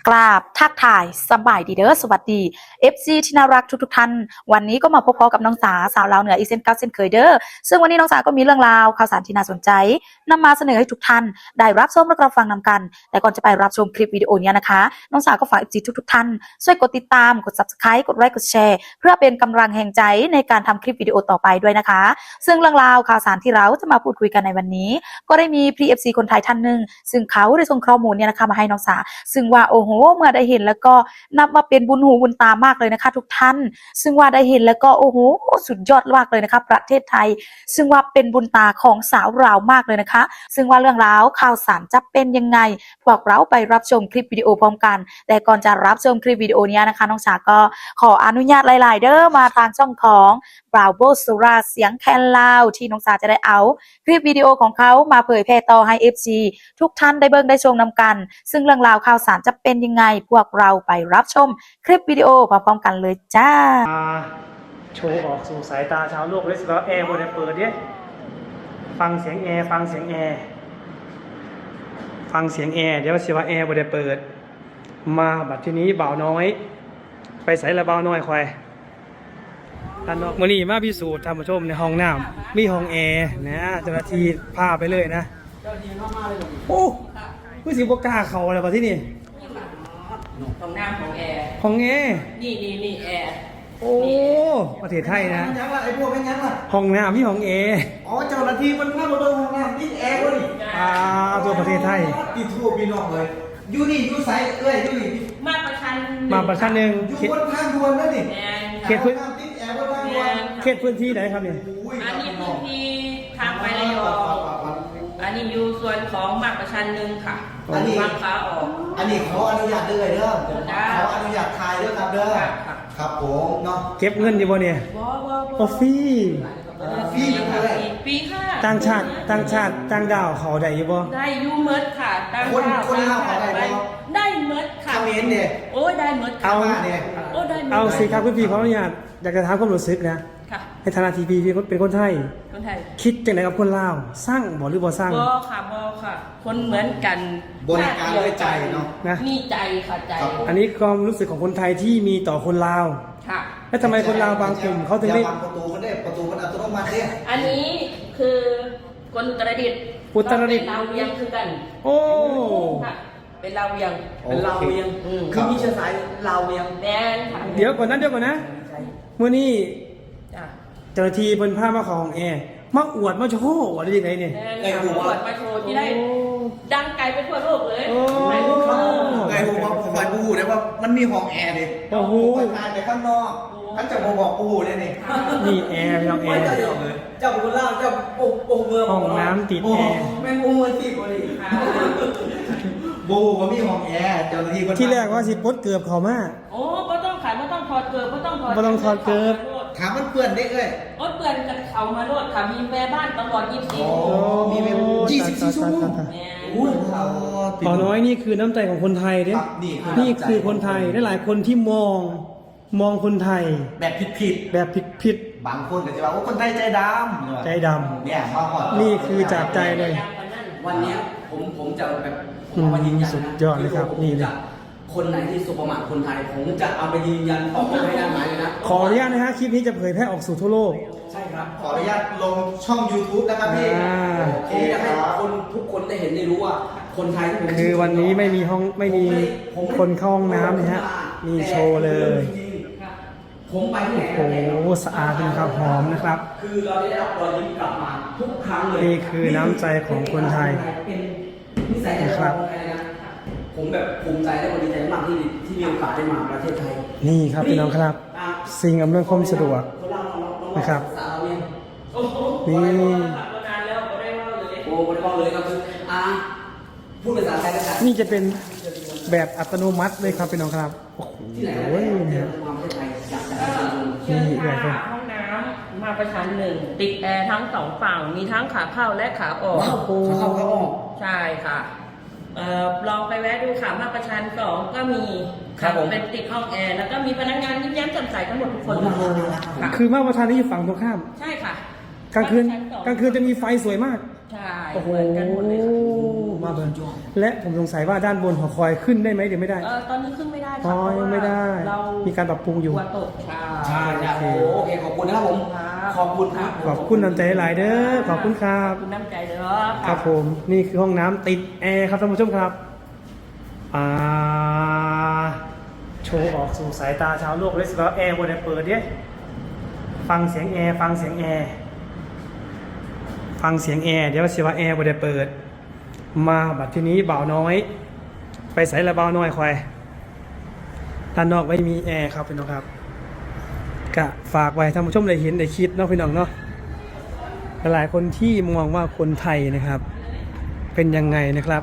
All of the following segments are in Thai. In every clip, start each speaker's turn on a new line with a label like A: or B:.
A: กราบทักทายสบายดีเด้อสวัสดี FC ที่น่ารักทุกท่านวันนี้ก็มาพบกับน้องสาสาวลาวเหนืออีกเช่นเก่าเช่นเคยเด้อซึ่งวันนี้น้องสาก็มีเรื่องราวข่าวสารที่น่าสนใจนำมาเสนอให้ทุกท่านได้รับชมและรับฟังนำกันแต่ก่อนจะไปรับชมคลิปวิดีโอนี้นะคะน้องสาก็ฝาก FC ทุกท่านช่วยกดติดตามกด Subscribe กดไลค์กดแชร์เพื่อเป็นกำลังแห่งใจในการทำคลิปวิดีโอต่อไปด้วยนะคะซึ่งเรื่องราวข่าวสารที่เราจะมาพูดคุยกันในวันนี้ก็ได้มี PFC คนไทยท่านหนึ่งซึ่งเขาได้ส่งข้อมูลเนี่ยนะคะมาให้น้องสาซึ่งว่าโอ้โหเมื่อได้เห็นแล้วก็นับว่าเป็นบุญหูบุญตามากเลยนะคะทุกท่านซึ่งว่าได้เห็นแล้วก็โอ้โหสุดยอดมากเลยนะคะประเทศไทยซึ่งว่าเป็นบุญตาของสาวเรามากเลยนะคะซึ่งว่าเรื่องราวข่าวสารจะเป็นยังไงพวกเราไปรับชมคลิปวิดีโอพร้อมกันแต่ก่อนจะรับชมคลิปวิดีโอนี้นะคะน้องสาก็ขออนุญาตหลายๆเด้อมาทางช่องของBravo Sura เสียงแคนลาวที่น้องสาจะได้เอาคลิปวิดีโอของเขามาเผยแพร่ต่อให้ FC ทุกท่านได้เบิ่งได้ชมนำกันซึ่งเรื่องราวข่าวสารจะเป็นยังไงพวกเราไปรับชมคลิปวิดีโอพร้อมๆกันเลยจ้า
B: โชว์ออกสู่สายตาชาวโลกเลยสิว่าแอร์บนเปิดเนี่ยฟังเสียงแอร์ฟังเสียงแอร์ฟังเสียงแอร์เดี๋ยวสิว่าแอร์บนเปิดมาบัดทีนี้บ่าวน้อยไปใส่ละบ่าวน้อยควายท่านนอกมื้อนี้มาพิสูจน์ท่านผู้ชมในห้องน้ำมีห้องแอร์นะเจ้าหน้าที่พาไปเลยนะโอ้ผู้สิบกล้าเข้าอะไรบัดที่นี่
C: ห้องน้ำของแอร์
B: ห้องแอร์
C: นี่แอร์
B: โอ้ประเทศไทยนะ
D: ยังล่ะไอ้พวกไม่ยังล่ะ
B: ห้องน้ำมีห้องแอร์
D: อ๋อเจ้าหน้าที่มันพามาเบิ่งห้องน้ำนี่แอร์วะนี่
B: ตัวประเทศไทย
D: ติดทั่วพี่น้องเลยอยู่นี่อยู่ไสเอ้ยอยู่นี่
C: มาประชัน
B: หนึ่ง
D: อยู่บนทางด่วนนั่นนี่
B: เขตพื้น
D: ติดแอร์บนทางด่วน
B: เขตพื้นที่ไหนครับเนี่ย
C: อันนี้พื้นที่ทางไประยองอันนี้อยู่ส่วนของมาประชันหนึ่งค่ะ
D: อันนี้
C: มาขาออก
D: อันนี้ขออนุญาตเด้อเด้อขออนุญาตถ่ายเด้อครับเด้อครับผมเนาะ
B: เก็บเงินอยู่บ่เนี่ย
C: บ่
B: ฟรี
C: ปีค่ะ
B: ต่างชาติต่างดาวเขาได้อยู่บ่
C: ได้ยูเมิร์ดค่ะต่าง
D: ดาวคนลาวเขาได้บ่
C: ได้เมิร์ดค่ะ
D: คอมเมนต์เนี่ย
C: โอ้ยได้เมิร์ด
B: เอา
D: เนี่ย
C: โอ้ได้
B: เอาสิครับพี่ขออนุญาตอยากจะถามความรู้สึกนะให้ฐานะทีพีเป็นคนไทยคิดจังไดกับคนลาวสร้างบ่หรือบ่สร้าง
C: บ่ค่ะคนเหมือนกัน
D: บริการด้วยใจเนาะ
C: มีใจค่ะใจ
B: อันนี้ความรู้สึกของคนไทยที่มีต่อคนลาว
C: ค่ะ
B: แล้วทำไมคนลาวบางกลุ่มเขาถึงได้
D: ประตูมันอัตโนมัติเนี่ย
C: อันนี้คือคนอุตรดิตถ์เราเวียงคือกัน
B: โอ้
C: เป็นเราเวียง
D: คือมีเชื้อสายเราเวียง
C: แดน
B: เดี๋ยวก่อนนะเมื่อนี้เจ้าหน้าที่เพิ่นพามาของแอร์มาอวดมาโชว์อะไรยังไงเนี่ย
C: ไอ้อวดมาโชว์ที่ได้ดังไกลไปทั่วโลกเลย
D: ไอ้ผมว่าผมไปปูได้ว่ามันมีห้องแอร์ดิ
B: โอ้โห
D: ทานไปข้างนอกท่านจะบอกปูเนี่ยนี่
B: นี่แอร์ห้องแอร์
D: เจ้าบุญเล่าเจ้าปูเมือง
B: ห้องน้ำติดแอร์
D: แม่ปูเมืองที่บริบูก็มีห้องแอร์เจ้าหน้าที่
B: ที่แรกว่าสิปลดเกือบเขามา
C: โอ้ก็ต้องขายไม่ต้องถอดเกือบไม่ต้องถอด
B: เกือบ
D: ถามมันเปื่อนได้เลย
C: เปื่อนกันเขามาโลดค่ะมีแม่บ้านตลอด24
D: มีแม่24 ชั่วโมง
B: ต่อน้อยนี่คือน้ำใจของคนไทยเด้นี่คือคนไทยหลายคนที่มองคนไทย
D: แบบผิดบางคนก็จะว่าคนไทยใจดำเนี่ยมาหอด
B: นี่คือจากใจเลย
E: วันนี้ผมจะแบบผมมายืนยัน
B: สุดยอดเลยครับนี่เลย
E: คนไหนที่สุประมาทคนไทยผมจะเอาไปยืนยันต่อไปให้ได้ไหมนะ
B: ขออนุญาตนะฮะคลิปนี้จะเผยแพร่ออกสู่ทั่วโลก
E: ใช่ครับ
D: ขออนุญาตลงช่อง YouTube นะครับพี่
E: ผมจะให้คนทุกคนได้เห็นได้รู้ว่าคนไทยที่ผม
B: คือวันนี้ไม่มีคนเข้าห้องน้ำนะฮะมีโชว์เลย
E: ผมไปที่ไหน
B: โอ้โหสะอาดนะครับหอมนะครับ
E: คือเราได้รับรอยยิ้มกลับมาทุกครั้งเลย
B: นี่คือน้ำใจของคนไทย
E: นะครับผมแบบภูมิใจและดีใจมากที่มีโอกาสได้มาประเทศไทย
B: นี่ครับพี่น้องครับสิ่งอำนวยความสะดวกนะครับนี่
E: โอ้ไม่ได้บอกเลยครับคือพูดภาษาไทยกัน
B: นี่จะเป็นแบบอัตโนมัติเลยครับพี่น้องครับโอ้โห
E: เนี่ย
B: นี่แบบ
C: ห้องน้ำมาประชันหนึ่งติดแอร์ทั้ง2ฝั่งมีทั้งขาเข้าและขาออก
D: ขาเข้าขาออก
C: ใช่ค่ะลองไปแวะดูค่ะมาประชัน2ก็มีเป็นติดห้องแอร์แล้วก็มีพนักงานยิ้มแย้มแจ่มใสทั้งหมดทุกคน
B: คือมาประชันนี่อยู่ฝั่งตรงข้าม
C: ใช่ค่ะ
B: กลางคืนจะมีไฟสวยมาก
C: ใช่เหมือนกันหมดเลยค่ะ
B: มาเบิร์นและผมสงสัยว่าด้านบนหอคอยขึ้นได้ไหมหรือไม่ได้
C: ตอนนี้ขึ้นไม่ได้
B: อ๋
C: ค่ะ
B: อยังไม่ได้
C: เรา
B: มีการปรับปรุงอยู่
C: หัวตก
E: ใช่โอเคขอบคุณนะครับผม ขอบคุณครับ
B: ขอบคุณน้ำใจหลายเด้อขอบคุณครับ
C: ขอบคุณน้ำใจเด้อ
B: ครับผมนี่คือห้องน้ำติดแอร์ครับท่านผู้ชมครับโชว์ออกสู่สายตาชาวโลกเลยสิว่าแอร์บนเปิดเนี่ยฟังเสียงแอร์ฟังเสียงแอร์ฟังเสียงแอร์เดี๋ยวสิว่าแอร์บนเปิดมาบัดทีนี้บ่าวน้อย ไปใส่ละบ่าวน้อยคอยด้านนอกไม่มีแอร์ครับพี่น้องครับกะฝากไว้ท่านผู้ชมได้เห็นได้คิดเนาะพี่น้องเนาะหลายคนที่มองว่าคนไทยนะครับ เป็นยังไงนะครับ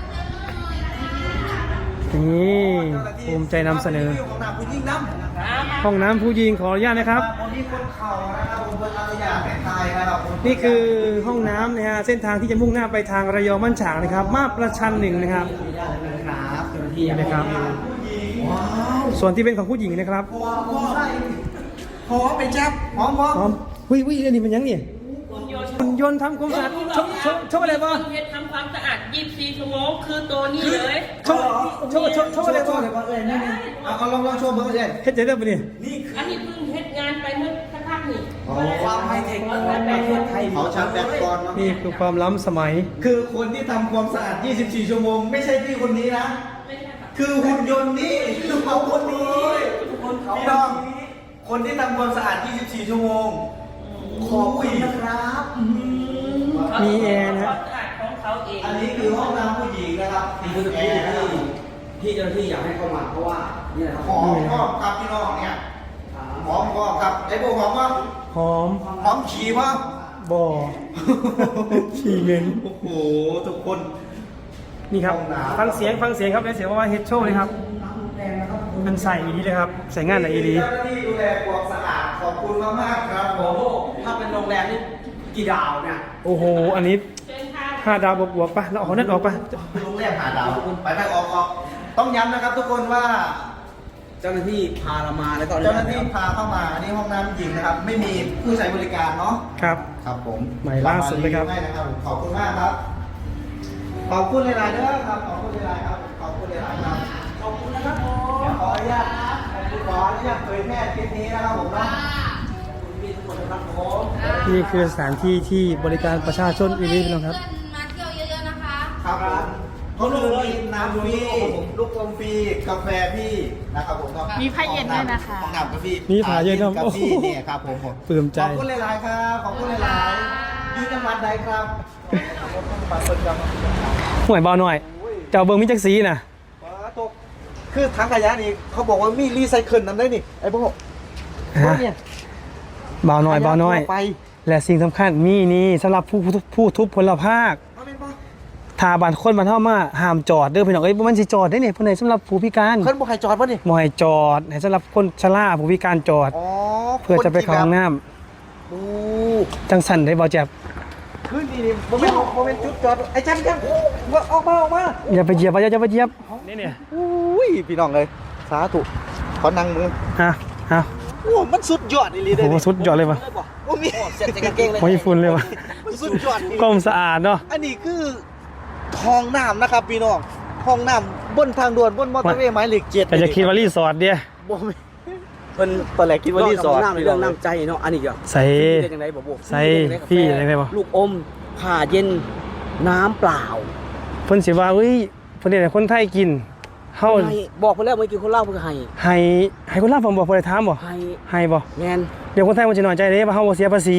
B: นี่ภูมิใจนำเสนอ
D: ของหนักผู้ยิ่งน้ำ
B: ห้องน้ำผู้หญิงขออนุญาตนะครับ
D: วันนี้คนเข่านะครับผมเป็นอนุญาตให้ทายนะครับผม
B: นี่คือห้องน้ำนะฮะเส้นทางที่จะมุ่งหน้าไปทางระยองบ้านฉางนะครับ มาบประชันหนึ่งนะครับ
D: ครับเจ้าหน้าที่
B: นี่นะครับ
D: ว้าว
B: ส่วนที่เป็นของผู้หญิงนะครับ
D: หอมเป็นแจ๊บหอม
B: พร้อมวิอันนี้มันยังเนี่ยคุณยนต์ทำความสะอาดชกอะไรบ้าง
C: เฮ็ดทำความสะอาด24 ชั่วโมงคือตัวนี้เลย
B: ชกอะไรบ้าง
D: เอาลองโชว์เบอร์เช่น
B: เฮ็ดใจได้ปะเนี่ย
C: อันนี้เพิ่งเฮ็ดงานไปเมื่อสักพักนี่
D: ความไฮเทคของประเทศไทยเขาชาร์จแบตก่อน
B: นี่คือความล้ำสมัย
D: คือคนที่ทำความสะอาด 24 ชั่วโมง ไม่ใช่พี่คนนี้นะ
C: ไม่ใช่ค่ะ
D: คือหุ่นยนต์นี้คือเขาคนนี้พี่น้องคนที่ทำความสะอาด 24 ชั่วโมง ขอบคุณนะครับ
B: มีแอร์นะ
C: ความสะอาดของเขาเอง
D: อันนี้คือห้องน้ำผู้หญิงนะครับ
E: นี่คือที่ที่เจ้าหน้าที่อยากให้เข้ามาเพราะว่านี่นะครับ
D: หอมก็ครับพี่น้องเนี่ยหอมก็ครับไอ้พวกหอมว่า
B: หอม
D: หอมฉี่ว่า
B: บ่อขี้เหม็น
D: โอ้โหทุกคน
B: นี่ครับ
D: ห้องน้ำ
B: ฟังเสียงได้เสียงว่าเฮ็ดโชว์เลยครับมันใส่อีดีเลยครับใส่งานไหนอีดี
D: เจ้าหน้าที่ดูแลความสะอาดขอบคุณมากๆครับผ
E: โอ้
D: ม
E: โหถ้าเป็นโรงแรมนี่กี่ดาวเนี่ย
B: โอ้โหอันนี้
C: เชิญค่ะ
B: 5 ดาวบวกๆปะเราเอานั่นออกปะ
D: โรงแรมหาดาวไปออกต้องย้ำนะครับทุกคนว่า
E: เจ้าหน้าที่พาเรามาแล้วก็
D: เจ้าหน้าที่พาเข้ามาอันนี้ห้องน้ำหญิงนะครับ ไม่มีผู้ใช้บริการเนาะ
B: ครับ
D: ครับผม
B: ใหม่ล่าสุดเลยครับ
D: ให้นะครับผมขอบคุณมากครับ ขอบคุณหลายๆเด้อครับ ขอบคุณหลายๆครับ ขอบคุณหลายๆครับ ขอบคุณนะครับผมเดี๋ยวขออนุญาตเผยแพร่คลิปนี้นะครับผมนะมีทุกคนนะครับผม
B: นี่คือสถานที่ที่บริการประชาชนอีลีพี่น้องครับ
F: เพื่อนมาเที่ยวเยอะๆนะคะ
D: ครับผมเขาเลยน้ำฟรีลูกอมฟรีกาแฟพี่นะครับผมก็
F: มีผ้าเย็นด้วยนะคะ
D: ห้องน้ำกาแฟ
B: มีผ้าเย็นด้วย
D: กาแฟเนี่ยครับผม
B: ปลื้มใจ
D: ขอบคุณหลายๆครับ ขอบคุณหลายๆอยู่จังหวัดใดครับปัดเปิดจังหวัด
B: ห่วยเบาหน่อย เจ้าเบิงมิจักสีน่ะ
D: ตกคือถังขยะนี่เขาบอกว่ามีรีไซเคิลนำได้นี่ไอ้พวก
B: ฮะ
D: เนี่ย
B: เบาหน่อยเบาหน่อย
D: ขะทั่วไป
B: และสิ่งสำคัญมีนี่สำหรับผู้ทุพพลภาค
D: เอาเป็นปะ
B: ถ้าบ้านคนบ้านเฮามาห้ามจอดเด้อพี่น้องเอ้ยบ่มันสิจอดได้นี่ผู้ใดสำหรับผู้พิการ
D: เพิ่นบอกให้จอดปะนี่
B: บ่ให้จอดให้สำหรับคนชราผู้พิการจอด
D: อ๋อ
B: เพื่อจะไปเข้าห้องน้ำ
D: โอ้
B: จังสั่นได้บ่แจ๊บ
D: คือนี่โมเมนต์จุดจอดไอ้จันออกมา
B: อย่าไปเหยียบอย่าไปเหยียบนี่เนี่ย
D: อุ้ยพี่น้องเลยสาธุขอนั่งมือ
B: อ่ะอ่ะ
D: โอ้มันสุดยอดอีหลี
B: โอ้
D: เด้
B: โหสุดยอดเลยว่ะ
D: โอ้มี
E: เสร็จจากกางเกงเลย
B: โอ้ยฝุ่นเลยว่ะ
D: มันสุดยอดอีหลี
B: กล้องสะอาดเนาะ
D: อันนี้คือห้องน้ำนะครับพี่น้องห้องน้ำบนทางด่วนบนมอเตอร์เวย์หมายเลข7
B: แต่จะคิดว่ารีสอร์ทเดีย
D: บ่แม่นเพิ่นตอนแรกคิดว่ารีสอร์ท
E: น้ำในเรื่องน้ำใจเนาะอันนี้ก็
B: ใส่
E: เป็นยังไงบอก
B: ใส่พี่ยังไงบ่
E: ลูกอมผ่าเย็นน้ำเปล่า
B: เพิ่นสิว่าเฮ้ยเพิ่นให้คนไทยกินเฮา
E: ให้บอกไปแล้วเมื่อกี้คนเล่าเพื่อให้
B: ให้คนลาวผมบอกบ่ได้ถามบ่
E: ให้
B: ให้บ่
E: แมน
B: เดี๋ยวคนไทยมันสิน้อยใจเด้ว่าเฮาบ่เสียภาษี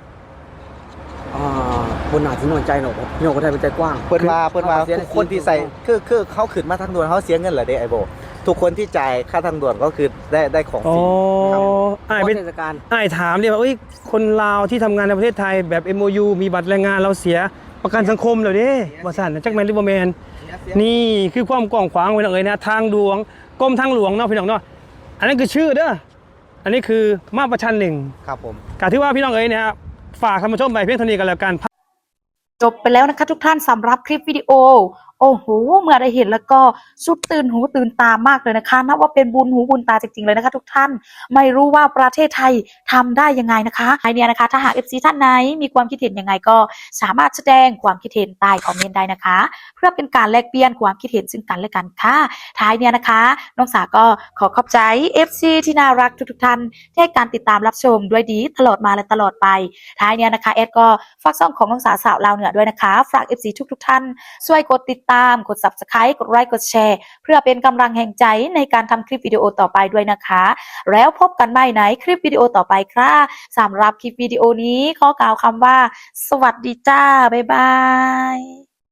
E: คนหนาที่นอนใจหนอกพี่น้องคนไทยเป็นใจกว้าง
D: เพิ่นว่าทุกคนที่ใส่คือเขาขึ้นมาทางด่วนเขาเสียเงินเหรอเด้ไอ้โบทุกคนที่จ่ายค่าทางด่วนก็คือได้ของฟ
B: อ๋อ
D: รีครับ
B: อ้าย
E: เป็
B: เป็น น
E: เทศกาล
B: อ้ายถามดิว่าเอ้ยคนลาวที่ทำงานในประเทศไทยแบบ MOU มีบัตรแรงงานเราเสียประกันสังคมแล้วเด้บ่ซั่นจักแม่นหรือบ่แม่นนี่คือความกว้างขวางไว้น้องเอ้ยนะทางหลวงกรมทางหลวงเนาะพี่น้องเนาะอันนั้นคือชื่อเด้ออันนี้คือมาประชันหนึ่ง
D: ครับผม
B: กะที่ว่าพี่น้องเอ๋ยเนี่ยครับฝากท่านผู้ชมไปเพียงเท่านี้กันแล้วกัน
A: จบไปแล้วนะคะทุกท่านสำหรับคลิปวิดีโอโอ้โหเมื่อได้เห็นแล้วก็สุดตื่นหูตื่นตามากเลยนะคะนับว่าเป็นบุญหูบุญตาจริงๆเลยนะคะทุกท่านไม่รู้ว่าประเทศไทยทำได้ยังไงนะคะไอเนี้ยนะคะถ้าหาก FC ท่านไหนมีความคิดเห็นยังไงก็สามารถแสดงความคิดเห็นใต้คอมเมนต์ได้นะคะ เพื่อเป็นการแลกเปลี่ยนความคิดเห็นซึ่งกันและกันค่ะท้ายเนี้ยนะคะน้องสาก็ขอขอบใจ FC ที่น่ารักทุกๆท่านที่ให้การติดตามรับชมด้วยดีตลอดมาและตลอดไปท้ายเนี้ยนะคะแอดก็ฝากช่องของน้องสาสาวลาวเหนือด้วยนะคะฝาก FC ทุกๆท่านช่วยกดติดตามกด Subscribe กดไลค์กดแชร์เพื่อเป็นกำลังแห่งใจในการทำคลิปวิดีโอต่อไปด้วยนะคะ แล้วพบกันใหม่ในคลิปวิดีโอต่อไปค่ะสำหรับคลิปวิดีโอนี้ขอกล่าวคำว่าสวัสดีจ้าบ๊ายบาย